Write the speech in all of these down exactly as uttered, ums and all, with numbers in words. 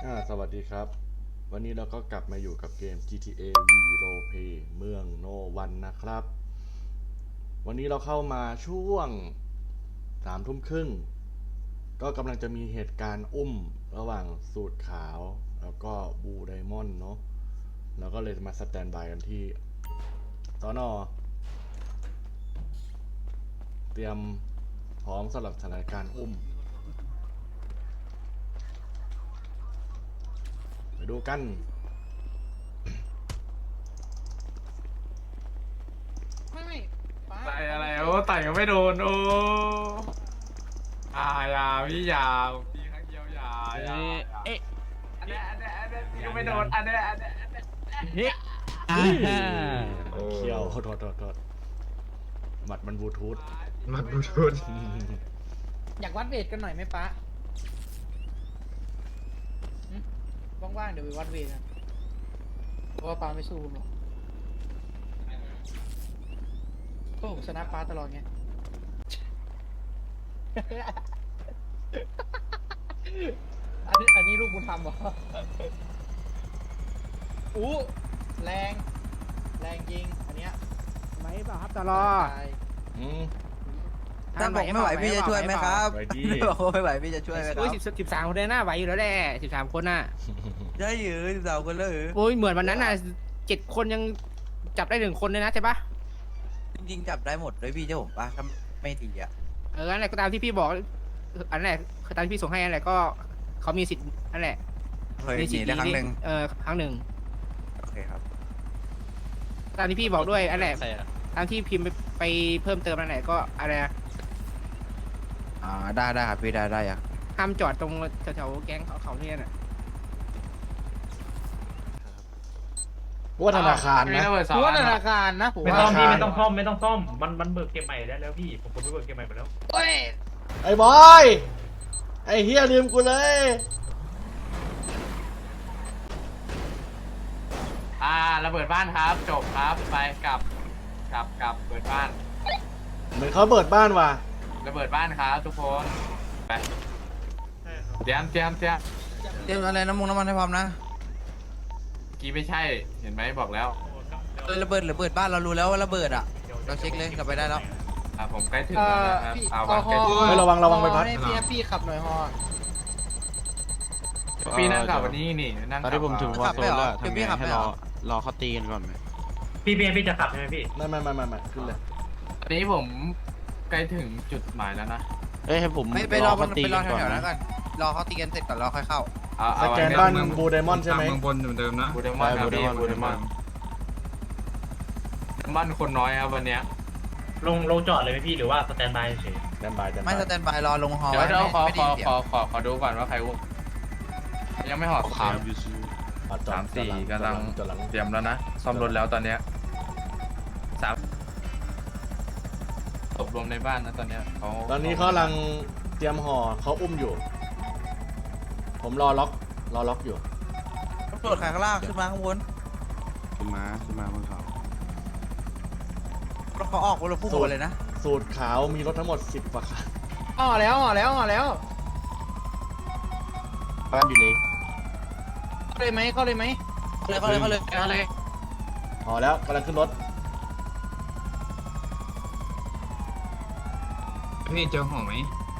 อ่าสวัสดีครับวันนี้เราก็กลับมาอยู่กับเกม จี ที เอ V Roleplay เมืองโนวันนะครับวันนี้เราเข้ามาช่วงสามทุ่มครึ่งก็กำลังจะมีเหตุการณ์อุ้มระหว่างสูตรขาวแล้วก็บูไดมอนด์เนาะเราก็เลยมาสแตนบายกันที่สน.เตรียมพร้อมสำหรับสถานการณ์อุ้มไปดูกันไม่ไม่ป้าไต่อะไรโอ้ไต่ก็ไม่โดนโอ้ยายาพี่ยาพี่ครั้งเดียวยายาเอ๊ะอันนี้อันนี้อันนี้พี่ก็ไม่โดนอันนี้อันนี้อันนี้เฮ้ยเขี้ยวโทษโทษโทษหมัดมันบลูทูธมันบลูทูธอยากวัดเวทกันหน่อยไหมป้าหึว่างๆเดี๋ยวไปวัดเวทกันเพราะว่าป้าไม่สู้ผมหรอกก็ผมชนะป้าตลอดไง อันนี้อันนี้ลูกบุญธรรมเหรออู้แรงแรงจริงอันเนี้ยไหวเปล่าครับตลอตายอืมถ้าบอกไม่ไหวพี่จะช่วยไหมครับไหวดีบอกว่าไม่ไหวพี่จะช่วยไหมคโอ้รัยบสิบสิบสามคนเลยน่าไหวอยู่แล้วแหละสิบสามคนน่ะได้ยืนสาวคนเลยโอ้ยเหมือนวันนั้นน่ะเจ็ดคนยังจับได้หนึ่งคนเลยนะใช่ปะจริงๆจับได้หมดเลยพี่เจ้าผมปะถ้าไม่ดีอ่ะเอออันไหนก็ตามที่พี่บอกอันไหนคือตามที่พี่ส่งให้อันไหนก็เขามีสิทธิ์นั่นแหละเคยหมีสินีทธิ์ได้ครั้งหนึ่งเออครั้งหนึ่งโอเคครับตามที่พี่บอกด้วยอันไหนตามที่พิมพ์ไปไปเพิ่มเติมอันไหนก็อะไรนะอ่าได้ได้ครับพี่ได้ได้อะห้ามจอดตรงแถวๆแก๊งเขาเขาเนี่ยน่ะว่าธนาคารมีนะระเบิดสอผงมว่าอันธนาคารนะผมไม่ว่าต้องพี่ธนาคารไม่ต้องซ่อมไม่ต้องซ่อมมันมันเบิกเกมใหม่ได้แล้วพี่ผมผมไปเบิกเกมใหม่หมดแล้วเฮ้ยไอ้บอย ไอ้เฮียลืมกูเลยอ่าระเบิดบ้านครับจบครับไปกลับกลับกลับเปิดบ้านเหมือนเขาเปิดบ้านว่ะระเบิดบ้านครับทุกคนไปเตรียมเตรียมเตรียมเตรียมอะไรน้ำมันน้ำมันให้พร้อมนะเมื่อกี้ไม่ใช่เห็นไหมบอกแล้วเออระเบิดระเบิดบ้านเรารู้แล้วว่าระเบิดอ่ะเราเช็คเลยกลับไปได้แล้วอ่าผมใกล้ถึงเอ่แล้วอนะครับพี่เอาฮวาองใกล้ถึงเฮ้ยระวังระวังไปพัดให้พี่พี่ขับหน่อยฮอพี่นั่งขับวันนี้นี่นั่งตอนที่ผมถึงวอร์โซนแล้วทำไงให้รอรอเขาตีกันก่อนไหมพี่พี่พี่จะขับใช่ไหมพี่ไม่ไม่ไม่ไม่ไม่ขึ้นเลยตอนนี้ผมใกล้ถึงจุดหมายแล้วนะเอ้ยให้ผมไม่ไปรอเขาตีไปรกัอนก่อนแถวๆนั้นนะก่อนรอเขาตีกันเสร็จก่อนรอค่อยเข้าเอาสเอาแกนไว้บ้านเมืองบูไดมอนด์ใช่ไหมเมืองบนเหมือนเดิมนะบูเดมอนครับพี่บูเดมอนบ้านคนน้อยครับวันเนี้ยลงลงจอดเลยไหมพี่หรือว่าสแตนบายเฉยแตนบายแตนไม่บายสแตนบายรอลงฮอเดี๋ยวไว้เดี๋ยวขอไม่ขได้อยินเสียของ ขอขอดูก่อนว่าใครวุกยังไม่หอดขาวยูซูอ่ะจอดสามสี่จอดหกำลังจอดหลังเตรียมแล้วนะซ่อมรถแล้วตอนเนี้ยสามตกลงในบ้านนะตอนเนี้ยเขาตอนนี้เขากำลังเตรียมห่อเขาอุ้มอยู่ ผมรอล็อกรอล็อกอยู่ตำรวจขายข้างล่างขึ้นมาข้างบนขึ้นมาขึ้นมาบนเขารถเขาออกคนละพุ่งหมดเลยนะสูตรขาวมีรถทั้งหมดสิบกว่าคันอ๋อแล้วอ๋อแล้วอ๋อแล้วบ้านอยู่เลยเข้าเลยไหมเข้าเลยไหมเขาเลยเขาเลยเขาเลยเอาเลยห่อแล้วกำลังขึ้นรถพี่เจอห่อไหม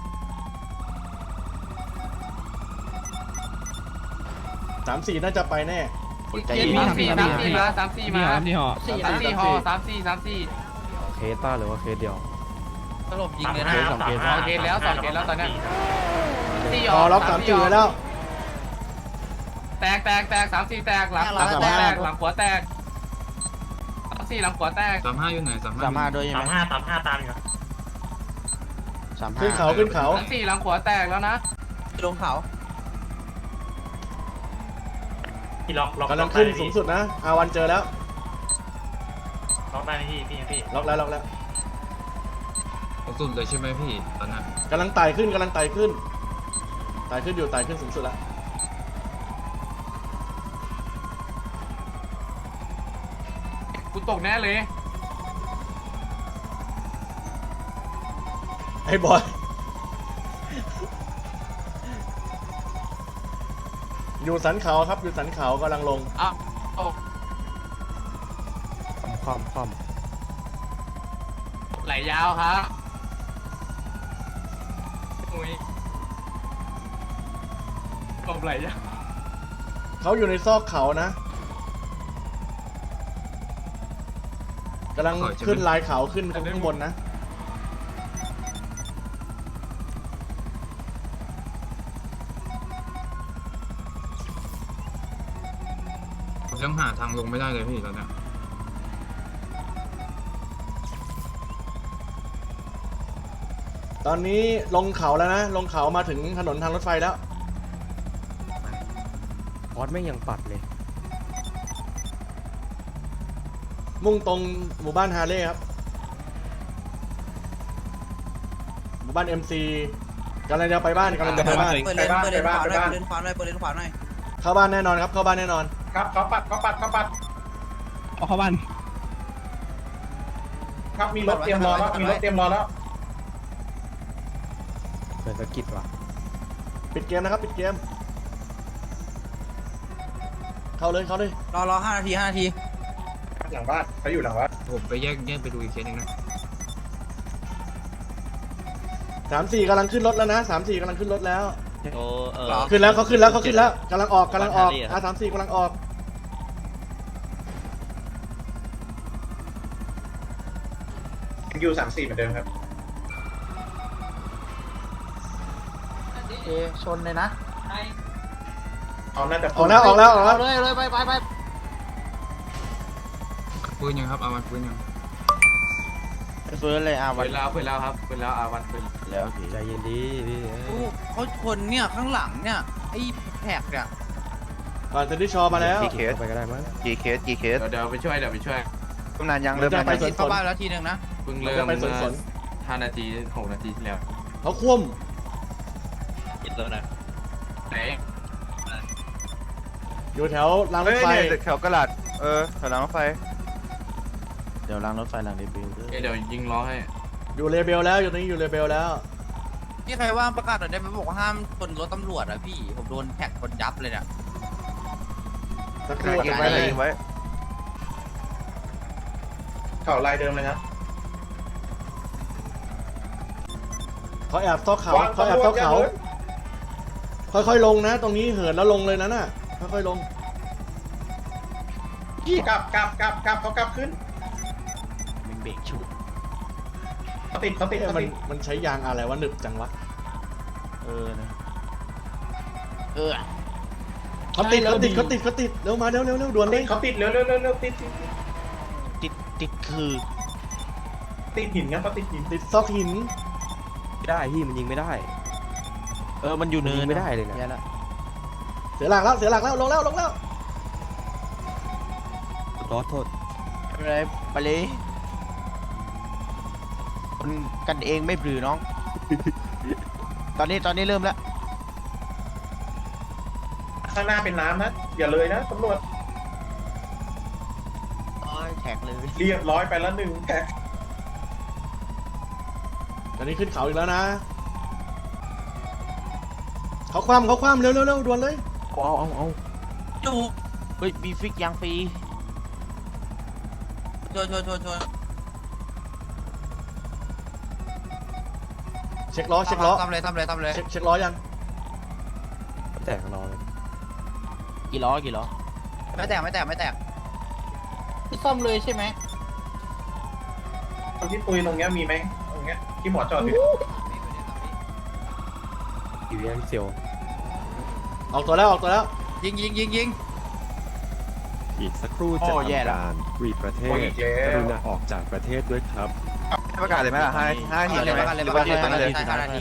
สามสี่น่าจะไปแน่คนใจสาเย็นมสี่สามสี่มาสามสี่มานี่หอสี่สามนะสี่ห่อสามสี่สามสี่เคสต้าหรือว่าเคสเดียวตลบยิงเลยเคนะสสองเคสสองเกตแล้วสองเกตแล้วตอนเนี้ยสี่รอล็อกสามสี่ไว้แล้วแตกแตกแตกสามสี่แตกหลังหลังขวาแตกหลังขวาแตกสามสี่หลังขวาแตกสามห้าอยู่ไหนสามห้าสามห้าด้วยใช่สาไหมมห้าสามห้าตามอยู่ครับสามห้าขึ้นเขาขึ้นเขาสามสี่หลังขวาแตกแล้วนะลงเขาพี่ล็อกล็อกกำลังขึ้นสูงสุดนะอาวันเจอแล้วล็อกได้ไหมพี่พี่พี่ล็อกแล้วล็อกแล้วสุดเลยใช่ไหมพี่ตอนนั้นกำลังไต่ขึ้นกำลังไต่ขึ้นไต่ขึ้นอยู่ไต่ขึ้นสูงสุดแล้วกูตกแน่เลยไอ้บอยอยู่สันเขาครับอยู่สันเขากำลังลงอ้าวโอ้ความความไหลยาวครับอุ้ยกบไหลยาวเขาอยู่ในซอกเขานะกำลังขึ้นลายเขาขึ้นข้างบนนะผมยังหาทางลงไม่ได้เลยพี่ตอนเนี้ยตอนนี้ลงเขาแล้วนะ ลงเขามาถึงถนนทางรถไฟแล้วออสไม่ยังปัดเลยมุ่งตรงหมู่บ้านฮาร์เลย์ครับ หมู่บ้าน เอ็ม ซี กำลังจะไปบ้านกำลังจะไปบ้านเปิดเลนเปิดเลนขวาหน่อยเปิดเลนขวาหน่อยเปิดเลนขวาหน่อยเข้าบ้านแน่นอนครับ เข้าบ้านแน่นอนครับเขาปัดเขาปัดเขาปัดเอาเข้าบ้านครับมีรถเตรียมรอแล้วมีรถเตรียมรอแล้วเปิดสกิดว่ะปิดเกมนะครับ ปิดเกม เข้าเลย เข้าเลยรอรอห้านาทีห้านาทีหลังบ้านเขาอยู่หลังบ้านผมไปแยกแยกไปดูอีกเคสหนึงนะสามสี่กำลังขึ้นรถแล้วนะสามสี่กำลังขึ้นรถแล้วโอ้เออหรอขึ้นแล้วเขาขึ้นแล้วเขาขึ้นแล้วกำลังออกกำลังออกบ้านฮาร์เลย์อะอาสามสี่กำลังออกยูสามสี่เหมือนเดิมครับเอชนเลยนะเขาน่าจะออกแล้วออกแล้วออกแล้วเลยเลยไปไปไปปืนยังครับเอามันปืนยังเฟิร์สเลยอ่ะวัเปินดแล้วเปิดแล้วครับเปิดแล้วอาวันเปิดแล้วใจเย็นดีพี่โอ้เขาชนเนี่ยข้างหลังเนี่ยไอ้แท็กเนี่ยก่อนเซนติชอมาแล้วเคสไปก็ได้มั้งกี่เคสกี่เคสเดี๋ยวเดี๋ยวไปช่วยเดี๋ยวไปช่วยกำนันยังเริ่เริ่มมจะยังไปไงสวนเข้าบ้านแล้วทีหนึ่งนะเพิ่งเราเริ่จะมไปสวนสนห้านาทีหกนาทีที่แล้วเขาคว่กินแล้วนะไหนำอยู่แถวรางรเฮ้ถยไฟเนี่ยแถวกระดาษเออแถวรางรถไฟ เดี๋ยวรางรถไฟรางเดบิวต์เอ้ยเดี๋ยวยิงล้อให้อยู่เลเบลแล้วอยู่ตรงนี้อยู่เลเบลแล้วพี่ใครว่างประกาศหน่อยได้ไหมบอกว่าห้ามชนรถตำรวจอะพี่ผมโดนแท็กชนยับเลยเนี่ยสักครู่ยิงนะไว้เลยยิงไว้เขาลายเดิมเลยนะเขาแอบซอกเขาเขาแอบซอกเขา ค่อยๆลงนะ ตรงนี้เหินแล้วลงเลยนะน่ะค่อยๆลงกลับกลับกลับกลับเขากลับขึ้นมึงเบรกฉุดเขาติดเขาติดเอ๊ะเขามันติดมันใช้ยางอะไรวะหนึบจังวะเออนะเออเขาติดเขาติดเขาติดเขาติดเร็วมาเร็วเร็วเร็วด่วนเลยเขาติดเร็วเร็วเร็วเร็วติดติดติดติดติดคือติดหินครับเขาติดหินติดซอกหินไม่ได้พี่มันยิงไม่ได้เออมันอยู่เนิยินงไม่ได้เลยนะแย่ละเสียหลักแล้วเสียหลักแล้วลงแล้วลงแล้วรอโทษไม่เป็นไรไปเลยคนกันเองไม่ปลือน้อง ตอนนี้ตอนนี้เริ่มแล้วข้างหน้าเป็นน้ำนะอย่าเลยนะตำรวจโอ้ยแท็กเลยเรียบร้อยไปแล้วหนึ่งแท็กตอนนี้ขึ้นเขาอีกแล้วนะเขาคว่ำเขาคว่ำเร็วเร็วเร็วด่วนเลยเอาเอาเอาจูเฮ้ยมีฟิกยางฟรีชนชนชนชนเช็คล้อเช็คล้อทำเลยทำเลยทำเลยเช็คเช็คล้อยังแตกรอเลยกี่ล้อกี่ล้อไม่แตกไม่แตกไม่แตกซ่อมเลยใช่ไหมตรงที่ปุยตรงเนี้ยมีไหมตรงเนี้ยที่หมอจอดอยู่อยู่ยังเซียวออกตัวแล้วออกตัวแล้วยิงยิงยิงยิงอีกสักครู่จะทำการรีประเทโอ้ยศอีกแล้กวรุณาออกจากประเทศด้วยครับให้ประกาศเลยไหมล่ะห้าห้านาทีเอาเลยใช่ไหมประกาศเลยหรือประว่ากาศเลยห้านาทีใช่ห้านาที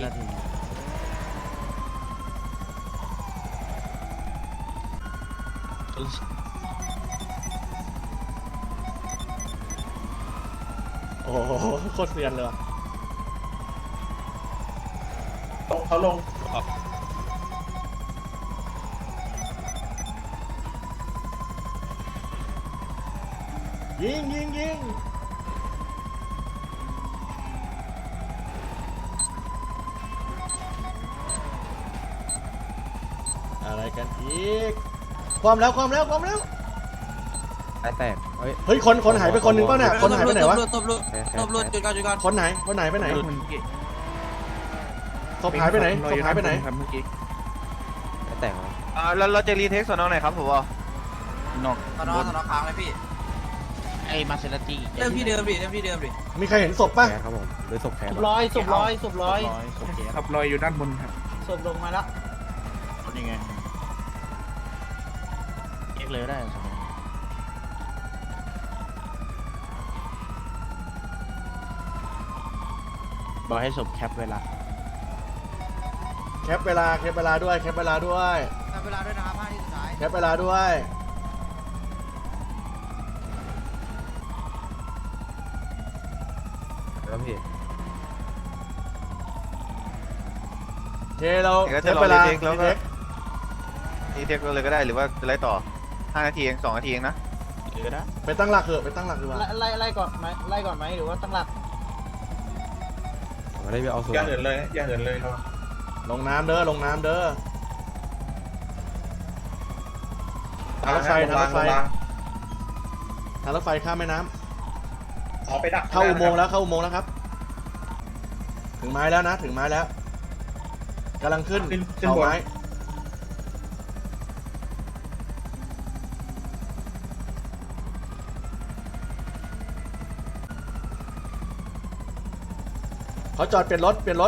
โอ้โหโคตรเซียนเลยว่ะลงเขาลงยิงยิงยิงอะไรกันอีอีกความแล้วความแล้วความแล้วสายแตกเฮ้ยเฮ้ยคนคนหายไปคนหนึ่งเปล่าเนี่ยคนหายไปไหนวะตบลุดตบลุดจุดก่อนจุดก่อนคนไหนคนไหนไปไหนศพหายไปไหนศพหายไปไหนสายแตกเหรออ่าเราเราจะรีเทคส่วนน้องไหนครับผมว่านอกตอนนอนตอนนอนค้างเลยพี่ไอ้มาเซราตี้เริ่มที่เดิมดิเริ่มที่เดิมดิมีใครเห็นศพป่ะแพ้ครับผมหรือศพแพ้ศพร้อยศพร้อยศพร้อยขับลอยอยู่ด้านบนครับศพลงมาแล้วยังไงเอ็กเลยได้บอกให้ศพแคปเวลาแคปเวลาแคปเวลาด้วยแคปเวลาด้วยทำเวลาด้วยนะครับห้าที่สุดท้ายแคปเวลาด้วยแล้วพี่โอเคเราเดี๋ยวก็แคจะปรอเวลารีเทคแล้วก็รีเทครีเทคเลยก็ได้หรือว่าจะไล่ต่อห้านาทีเองสองนาทีเองนะเออได้ไปตั้งหลักเถอะไปตั้งหลักดีกว่าไล่ไล่ก่อนไหมไล่ก่อนไหมหรือว่าตั้งหลักผมไม่ได้ไปเอาส่วนอย่าเหินเลยอย่าเหินเลยเนาะลงน้ำเด้อลงน้ำเด้อทางรถไฟทางรถไฟทางรถไฟข้ามแม่น้ำเอาไปดักเข้าอุโมงค์แล้วเข้าอุโมงค์แล้วครับ ถึงไม้แล้วนะถึงไม้แล้วกำลังขึ้นเขาไม้เขาจอดเปลี่ยนรถเปลี่ยนรถ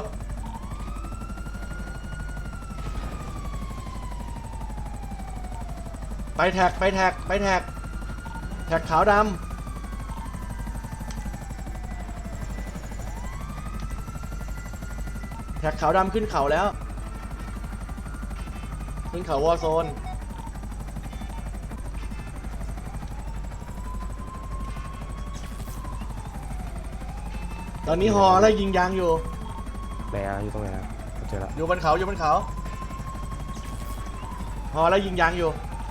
ไปแท็กไปแท็กไปแท็กแท็กขาวดำแท็กขาวดำขึ้นเขาแล้ว ขึ้นเขาวอร์โซน ตอนนี้ฮอไล่ยิงยางอยู่แพ้อยู่ตรงไหนนะเจอแล้วอยู่บนเขาอยู่บนเขาฮอไล่ยิงยางอยู่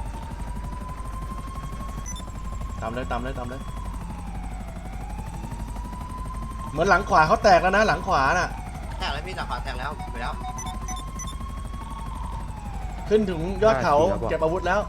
ตามเลยตามเลยตามเลยเหมือนหลังขวาเขาแตกแล้วนะหลังขวาน่ะแตกแล้วพี่จากขวาแตกแล้วไปแล้วขึ้นถึงยอดเขาเก็บอาวุธแล้ว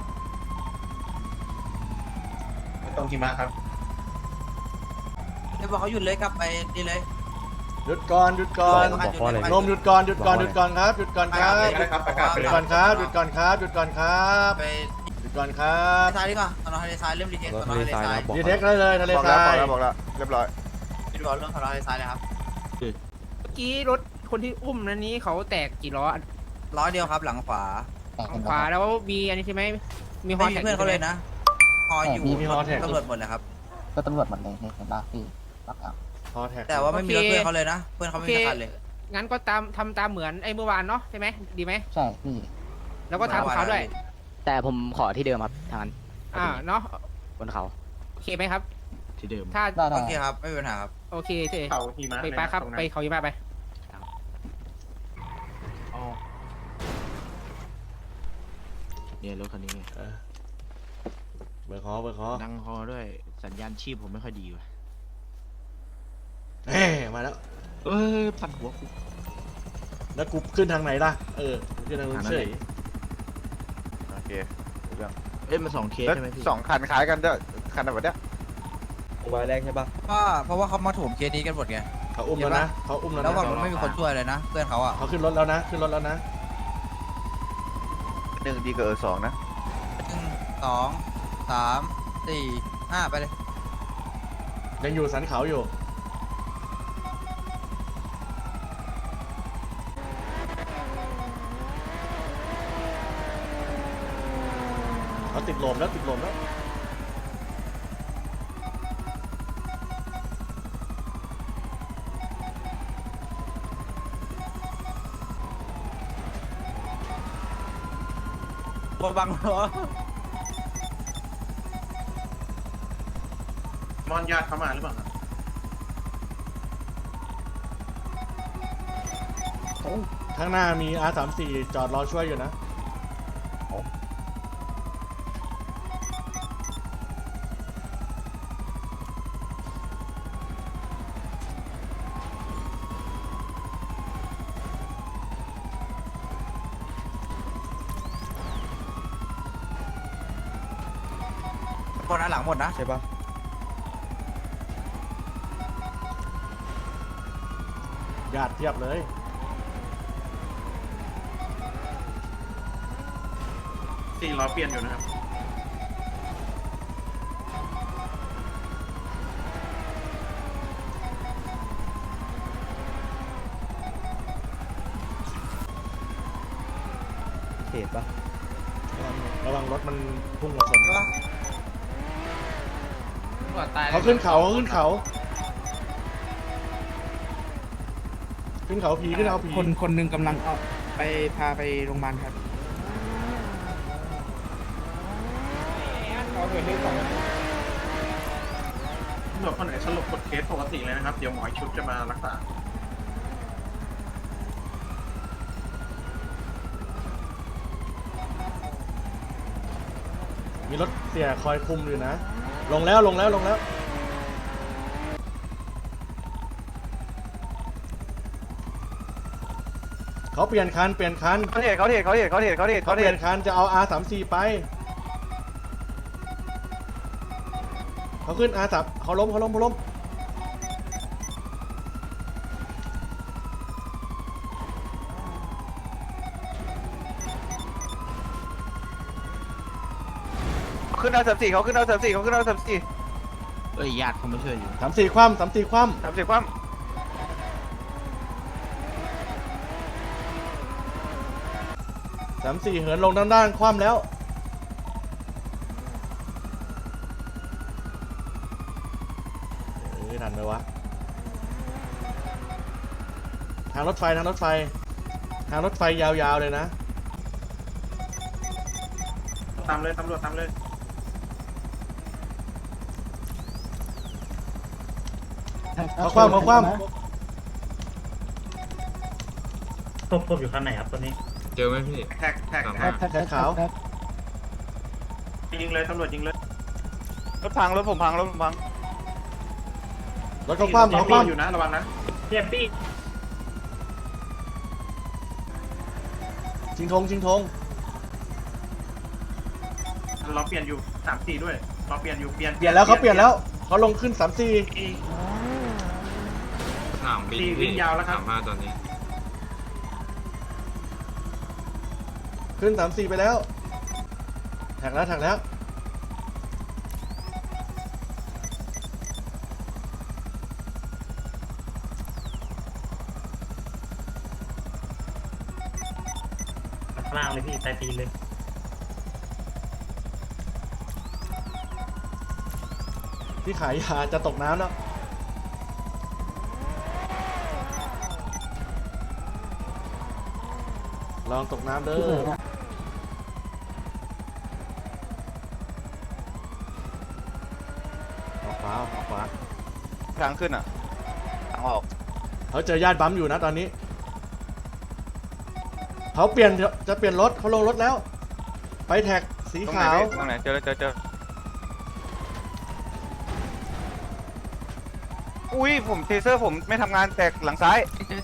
ตรงที่มาครับเดี๋ยวบอกเขาหยุดเลยกลับไปนี่เลยหยุดก่อนหยุดก่อนบอกเพราะอะไรนมหยุดก่อนหยุดก่อนหยุดก่อนครับหยุดก่อนครับได้ครับประกาศไปหยุเลดยก่อนครับหยุดก่อนครับหยุดก่อนครับไปหยุดก่อนครับซ้ายดีกว่าตอนนอนทะเลทรายเริ่มรีเทครตถอนนอนทะเลทะเลทรายทรายนะบอกดีเทคได้เลยทะเลบอกทแล้วราบอกยแล้วบอกแล้วเรียบร้อยพี่บอกเรื่องตอนนอนทะเลทรายเลยครับเมื่อกี้รถคนที่อุ้มนั้นนี้เขาแตกกี่ล้อร้อยเดียวครับหลังขวาฝั่งขวาแล้วมีอันนี้ใช่ไหมมีฮอไม่มีแท็กเพื่อนเขาเลยนะฮออยู่มีฮอแท็กตำรวจหมดเลยครับก็ตำรวจหมดเลยเห็นป่ะพี่ปักเอาฮอแท็กแต่ว่าไม่มีรถเพื่อนเขาเลยนะ เพื่อนเขาไม่มีสักคันเลยงั้นก็ตามทำตามเหมือนไอ้เมื่อวานเนาะใช่ไหมดีไหมใช่พี่แล้วก็ทำกับเขาด้วยแต่ผมขอที่เดิมครับทางนั้นอ่าเนาะบนเขาโอเคไหมครับที่เดิมถ้าได้ได้โอเคครับไม่มีปัญหาครับโอเคเจเขาที่มาไปไปครับไปเขายิมาไปเนี่ยรถคันนี้เออเบอร์คอเบอร์คอดังฮอด้วยสัญญาณชีพผมไม่ค่อยดีว่ะเฮ้มาแล้วเอ้ยปั่นหัวกูแล้วกูขึ้นทางไหนล่ะเออขึ้นทางนู้นเฉยโอเคเอ้ยมันสองเคสแล้วใช่ไหมพี่สองคันคล้ายกันด้วยคันแบบเนี้ยใบแรกใช่ปะว่าเพราะว่าเขามาถ่วงเคสนี้กันหมดไงเขาอุ้มแล้วนะเขาอุ้มแล้วแล้วนะฝั่งนู้นไม่มีคนช่วยเลยนะ เพื่อนเขาอ่ะเขาขึ้นรถแล้วนะขึ้นรถแล้วนะหนึ่งดีกว่าเออสองนะหนึ่งสองสามสี่ห้าไปเลยยังอยู่สันเขาอยู่เขาติดลมแล้วติดลมแล้วบบังเหรอมอนญาติเข้ามาหรือเปล่าครับข้างหน้ามี อาร์ สามสิบสี่ จอดรอช่วยอยู่นะคนอันหลังหมดนะใช่ปะญาติเทียบเลยสี่ล้อเปลี่ยนอยู่นะครับเขตปะระวังรถมันพุ่งมาชนตำรวจตายเขาขึ้นเขาเขาขึ้นเขา ขึ้นเขาผีขึ้นเขาผีคนคนหนึ่งกำลังเอาไปพาไปโรงพยาบาลครับเขาเกิดเรื่องสองตำรวจคนไหนสลบกดเคสปกติเลยนะครับ เดี๋ยวหมอชุดจะมารักษามีรถเสียคอยคุมอยู่นะ ลงแล้วลงแล้วลงแล้ว เขาเปลี่ยนคันเปลี่ยนคันเขาเทรดเขาเทรดเขาเทรดเขาเทรดเขาเทรดเขาเขาเปเทรลี่ยดนคันจะเอา อาร์ สามสิบสี่ ไป เขาขึ้น อาร์ สาม เขาล้มเขาล้มเขาล้มขึ้นเอาสามสี่เขาขึ้นเอาสามสี่เขาขึ้นเอาสามสี่เอ้ยญาติเขามาช่วยอยู่สามสี่คว่ำสามสี่คว่สามสี่คว่ำสามสี่เหินลงด้านด้านคว่ำแล้ว เอ้ยทันไหมวะ ทางรถไฟทางรถไฟ ทางรถไฟยาวๆเลยนะตามเลยตำรวจตามเลยเขาคว่ำเขาคว่ศพศพอยู่คันไหนครับตอนนี้เจอไหมพี่แท็กแท็กสามแท็ห้ากำแขนขาวยิงเลยตำรวจยิงเลยำรถพังรถผมพังรถผมพังรถเขาคว่ำเขาคว่อยู่นะระวังนะเจ็บปี้ำชิงธงชิงธงล้อเปลี่ยนอยู่สามสี่ด้วยล้อเปลี่ยนอยู่เปลี่ยนเปลี่ยนแล้วเขาเปลี่ยนแล้ว เขาลงขึ้นสามสี่สนามบินสี่วิ่งยาวแล้วครับสามห้าตอนนี้ขึ้นสามสี่ไปแล้ว แท็กแล้วแท็กแล้วข้างล่างเลยพี่ใต้ตีนเลยที่ขายยาจะตกน้ำแล้ว ลองตกน้ำเด้อออกขวาออกขวาทางขึ้นอ่ะทางออกเขาเจอญาติบัมอยู่นะตอนนี้ เขาเปลี่ยนจะเปลี่ยนรถเขาลงรถแล้ว ไปแท็กสีตรงไหนขาวพี่ตรงไหนเจอแล้วเจอเจออุ้ยผมเทเซอร์ผมไม่ทำงานแตกหลังซ้าย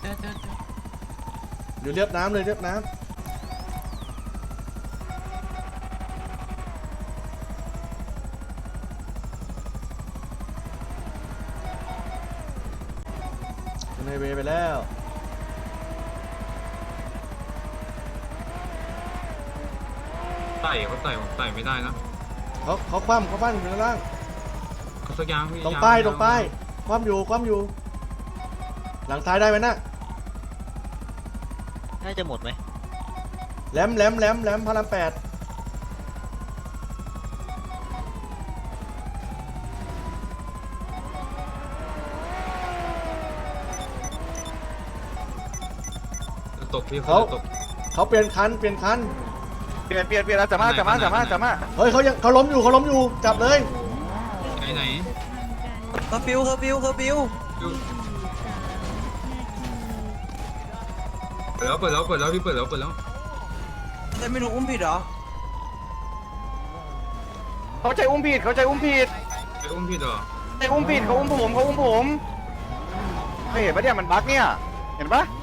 อยู่เรียบน้ำเลยเรียบน้ำในเวย์ไปแล้วไต่เขาไต่ผมไต่ไม่ได้นะเขาเขาคว่ำเขาคว่ำอยู่ข้างล่างเขาสักอยางพี่ตรงยป้ายงตรงป้ายคว่ำอยู่คว่ำอยู่ หลังซ้ายได้ไหมน่ะน่าจะหมดไหมแหลมแหลมแหลมแหลมพระรามแปดจะตกพี่เขาจะตกเขาเปลี่ยนคันเปลี่ยนคันเปลี่ยนเปลี่ยนเปลี่ยนแล้วสามารถสามารถสามารถสามารถเฮ้ยเขายังเขาล้มอยู่เขาล้มอยู่จับเลยไหนไหนเคอร์ฟิวเคอร์ฟิวเคอร์ฟิวดูเปิดแล้วเปิดแล้วเปิดแล้วพี่เปิดแล้วเปิดแล้วแต่ไม่รู้อุ้มผิดเหรอเขาใจอุ้มผิดเขาใจอุ้มผิดไอ้อุ้มพี่เหรอใจอุ้มผิดเขาอุ้มผมเขาอุ้มผมไม่เห็นปะเนี่ยมันบั๊กเนี่ยเห็นปะ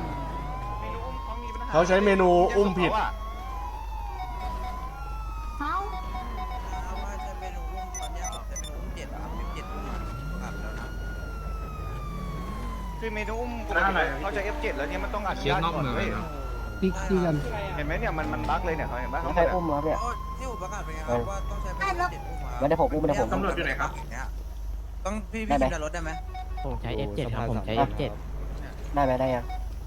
เขาใช้เมนูอุ้มผิดเขาอะฮะคือเมนูอุ้มปกติเขาจะ เอฟ เจ็ด แล้วเนี่ยมันต้องอนุเช็คญาตนอกก่อนเมืองเว้ยนะติ๊กซี่กันเห็นไหมเนี่ยมันมันบั๊กเลยเนี่ยเขาเห็นปะเขาใครเนี่ยอุ้มมาเนี่ยที่ผมประกาศไปไงครับว่าต้องใช้เป็นเจ็ดอุ้มมาไม่ได้ผมอุ้มไม่ได้ผมตำรวจอยู่ไหนครับต้องพี่พี่พิมพ์ในรถได้ไหมผมใช้ เอฟ เจ็ด ครับ ผมใช้ เอฟ เจ็ดได้ไหมได้ยัง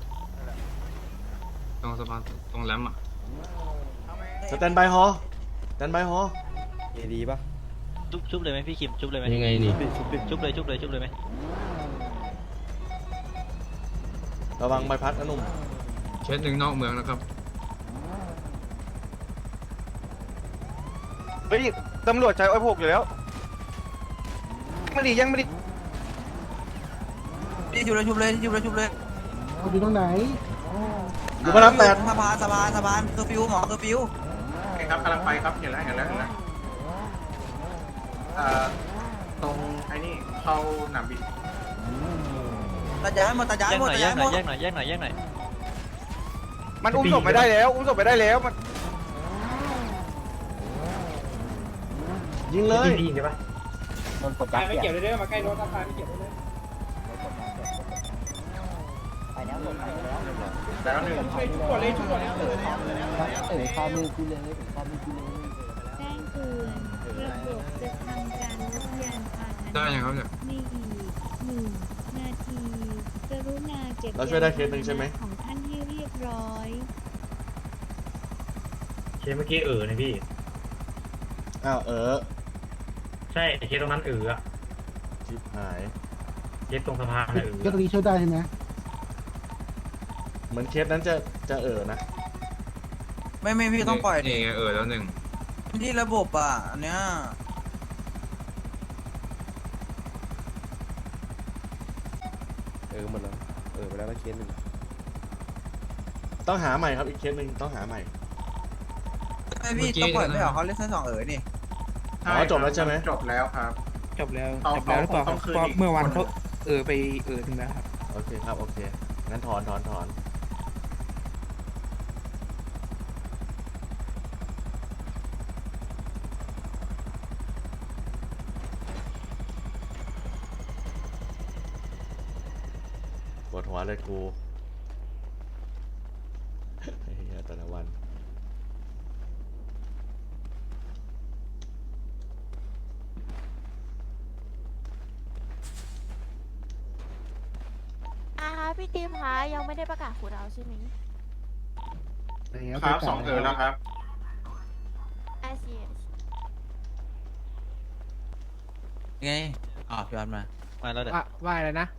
ตรงสะพานตรงแรมอ่ะสแตนบายฮอสแตนบายฮอดีป่ะชุบชุบเลยไหมพี่คิมชุบเลยไหมยังไงนี่ชุบเลยชุบเลยชุบเลยไหมระวังใบพัดนะหนุ่มเคสหนึ่งนอกเมืองนะครับเฮ้ยตำรวจใช้ไอ้พวกอยู่แล้วไม่ดียังไม่ดีพี่ชุบเลยชุบเลยชุบเลยชุบเลยอยู่ตรงไหนอยู่พระรามแปดสะพานสะพานสะพานเคอร์ฟิวหมอเคอร์ฟิวครับกำลังไปครับเห็นแล้วเห็นแล้วเห็นแล้วเอ่อตรงไอ้นี่เข้าหนามบินตาย้ายหมดตาย้ายแยกหมหดน่อยตาแยย้าก ยหหน่มอยดแยกหน่อยแยกหน่อยแยกหน่อยมันอุ้มศพไม่ได้แล้ว อุ้มศพไม่ได้แล้วมันยิงเลยพี่ใช่ปะโดนกดยับไม่เนี่ยเกี่ยวเลยเด้อมาใกล้รถตาพาไม่เกี่ยวเลยไปแล้วหมดไปแล้วแล้วหนึ่งช่วยชุบก่อนเลยชุบก่อนเลยเออเนี่ยเออข้ามือกูเลยเออข้ามือกูเลยแจ้งเตือนระบบจะทำการลดยานพาหนะได้ยังครับเนี่ยในอีกหนึ่งนาทีกรุณาเก็บเราช่วยได้เคสหนึ่งใช่ไหมของท่านให้เรียบร้อยเคสเมื่อกี้เออนะพี่อ้าวเออใช่เคสตรงนั้นเอออะชิบหายเคสตรงสะพานน่ะเออก็ตรงนี้ช่วยได้ใช่ไหมเหมือนเคสนั้นจะจะเออนะไม่ไม่พี่ต้องปล่อยดินี่ไงเออแล้วหนึ่งที่ระบบอ่ะอันเนี้ยเออหมดแล้วเออไปแล้วเคสหนึ่งต้องหาใหม่ครับอีกเคสหนึ่งต้องหาใหม่ไม่พี่ต้องปล่อยไม่เหรอเขาเล่นแค่สองเอ๋อนี่อ๋อจบแล้วใช่ไหมจบแล้วครับจบแล้วเอาจบแล้วหรือเปล่าเอาคืนเพราะอีกเมื่อวานเขาเออไปเออถึงแล้วครับโอเคครับโอเคงั้นถอนถอนถอนปวดหัวเลยกู ไอ้เหี้ยแต่ละวันอ่าพี่ทีมคะยังไม่ได้ประกาศขูดเอาใช่ไหมครับสองเออแล้วครับไอซีไงอ๋อพี่วันมามาแล้วเดี๋ยวว่าว่าอะไรนะ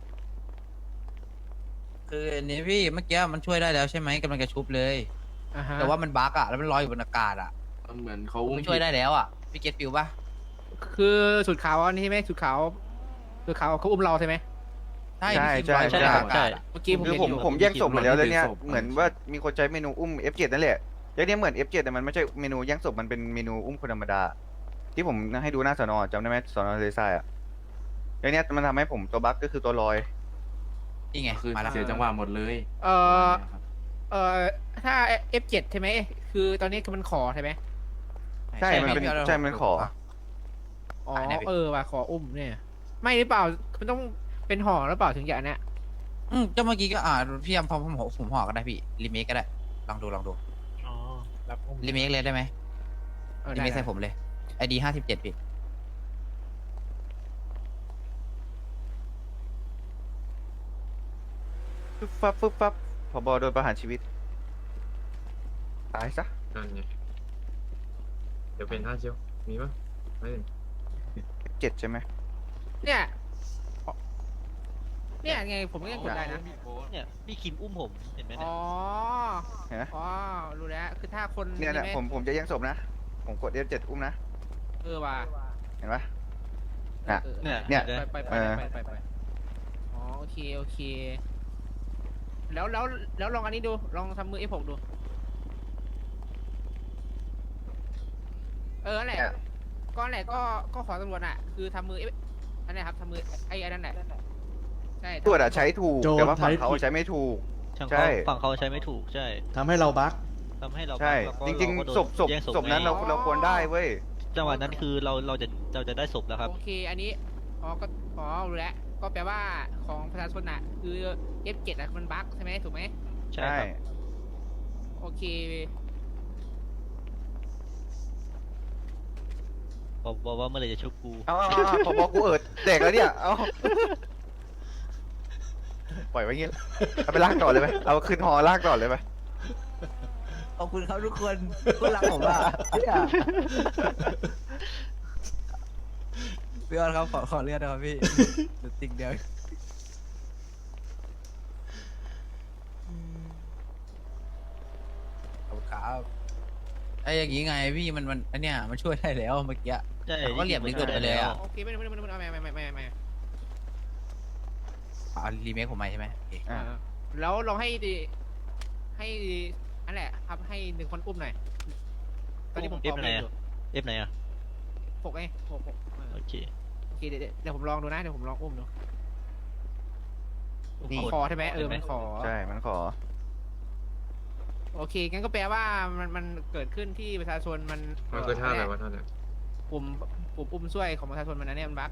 คืออันนี้พี่เมื่อกี้มันช่วยได้แล้วใช่ไหมกำลังจะชุบเลยอ่าฮะแต่ว่ามันบั๊กอ่ะแล้วมันลอยอยู่บนอากาศอ่ะเหมือนเขามันช่วยได้แล้วอ่ะพี่เก็ตฟิวป่ะคือสุดขาวอันนี้ใช่ไหมสุดขาวสุดขาวเขาอุ้มเราใช่ไหมใช่ใช่พี่ใช่คิมลอยบนใช่อากาศอะเมื่อกี้ผมคือเห็นผมอยู่ผมแยกศพหมดแล้วแล้วเนี่ยเหมือนว่ามีคนใช้เมนูอุ้ม เอฟ เจ็ด นั่นแหละแล้วเนี่ยเหมือน เอฟ เจ็ด แต่มันไม่ใช่เมนูแย่งศพมันเป็นเมนูอุ้มคนธรรมดา ที่ผมให้ดูหน้าสนอจำได้ไหมสนอเลซ่าอ่ะแล้วเนี่ยมันทำให้ผมตัวบั๊กก็คือตัวลอยนี่ไงมาแล้วเสียจังหวะหมดเลยเออเออถ้า เอฟ เจ็ด ใช่ไหมคือตอนนี้คือมันขอใช่ไหมใช่มันเป็นใช่มันขออ๋อเออว่ะขออุ้มเนี่ย ไม่หรือเปล่ามันต้องเป็นห่อหรือเปล่าถึงจะอันเนี้ยอืมเจ้าเมื่อกี้ก็อ่าพี่ยำพอผมผมห่อก็ได้พี่รีเมคก็ได้ลองดูลองดูอ๋อรับอุ้มรีเมคเลยได้ไหมเออรีได้เมคใส่ผมเลยไอดีห้าสิบเจ็ดพี่ฟึบฟับฟึบฟับผบโดนประหารชีวิต ตายซะนั่นไงเดี๋ยวเป็นท่าเชียวมีปะไม่เห็นเจ็ดใช่ไหมเนี่ยเนี่ยไงผมก็ยังกดได้นะเนี่ยพี่คิมอุ้มผมเห็นไหมเนี่อ๋ยอเห็นไหมอ๋อรู้แล้วคือถ้าคนเนี่ยแหละใช่ไหผมผมจะแย่งศพนะ ผมกด เอฟ เจ็ด อุ้มนะเออว่ะเห็นปะ น่ะออเนี่ยเนี่ยดี๋วไปไปไปเออไปไปไปอ๋อโอเคโอเค แล้วแล้วแล้วลองอันนี้ดูลองทำมือ เอฟ หก ดู เออนั่นแหละก็นั่นแหละก็ก็ขอตำรวจอ่ะ คือทำมือ F อันนี้ครับทำมือไอ้อันนั้นแหละใช่ตรวจอะใช้ถูกโจรแต่ว่าฝั่งใช้เขาผิดใช้ไม่ถูกช่างใช่เขาฝั่งเขาใช้ไม่ถูกใช่ทำให้เราบั๊กทำให้เราใช่แล้วก็จริงเาก็โดนๆศพศพแย่งศพนั้นไงเราเราควรได้เว้ยจังหวะนั้นคือเราเราจะเราจะได้ศพแล้วครับโอเคอันนี้อ๋อก็อ๋อรู้แล้วก็แปลว่าของประชาชนอ่ะ คือ เอฟ เจ็ด อ่ะมันบั๊กใช่ไหมถูกไหมใช่ครับโอเคบอกบอกว่าเมื่อไหรจะชุบกูเอาเอาเอาพอบอกกูเอิดแดกแล้วเนี่ย เอาปล่อยไว้งี้เอาไปลากต่อเลยไหมเอาขึ้นหอลากต่อเลยไหมขอบคุณครับทุกคนคุณรักผมอ่ะพี่ออนครับขอขอเลือดนะครับพี่เดี๋ยวติ๊กเดียวขอบคุณครับไอ้อย่างงี้ไงพี่มันมันอันเนี้ยมันช่วยได้แล้วเมื่อกี้ใช่เขาก็เหลี่ยมนี้เกิดไปเลยอ่ะโอเคไม่ไม่ไม่ไม่ไม่ไม่ไม่ไม่ไม่เอารีเมคผมใหม่ใช่ไหมโอเคอ่ะแล้วลองให้ดีให้อันแหละครับให้หนึ่งคนอุ้มหน่อยตอนนี้ผมเอฟไหนอะเอฟไหนอะหกไงหกหกโอเคโอเคเดี๋ยวเดี๋ยวผมลองดูนะเดี๋ยวผมลองอุ้มดูนี่คอใช่ไหมเออมันขอใช่มันขอโอเคงั้นก็แปลว่ามันมันเกิดขึ้นที่ประชาชนมันมันคือท่าอะไรวะท่าเนี่ยปุ่มปุ่มอุ้มช่วยของประชาชนมันอันเนี้ยมันบั๊ก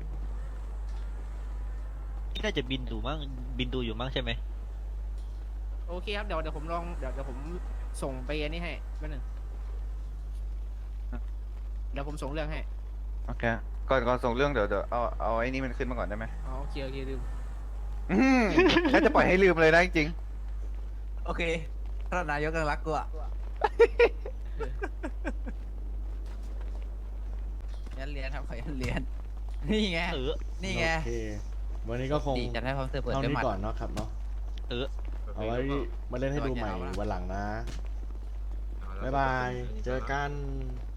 น่าจะบินดูมั้งบินดูอยู่มั้งใช่ไหมโอเคครับเดี๋ยวเดี๋ยวผมลองเดี๋ยวเดี๋ยวผมส่งไปอันนี้ให้แป๊บนึงเดี๋ยวผมส่งเรื่องให้โอเค ก่อนก่อนส่งเรื่องเดี๋ยวเดี๋ยวเอาเอาไอ้นี่มันขึ้นมาก่อนได้ไหมอ๋อโอเคโอเคลืมอื้อหือแค่จะปล่อยให้ลืมเลยนะจริงโอเคท่านนายกยังรักกูอ่ะยันเรียนครับขอยันเรียนนี่ไงเออนี่ไงโอเค วันนี้ก็คงดีจะได้ความเสือเปิดเท่าด้วยนี้หมัดก่อนเนาะครับเนาะเออเอาไว้มาเล่นให้ดูใหม่วันหลังนะ บ๊ายบาย เจอกัน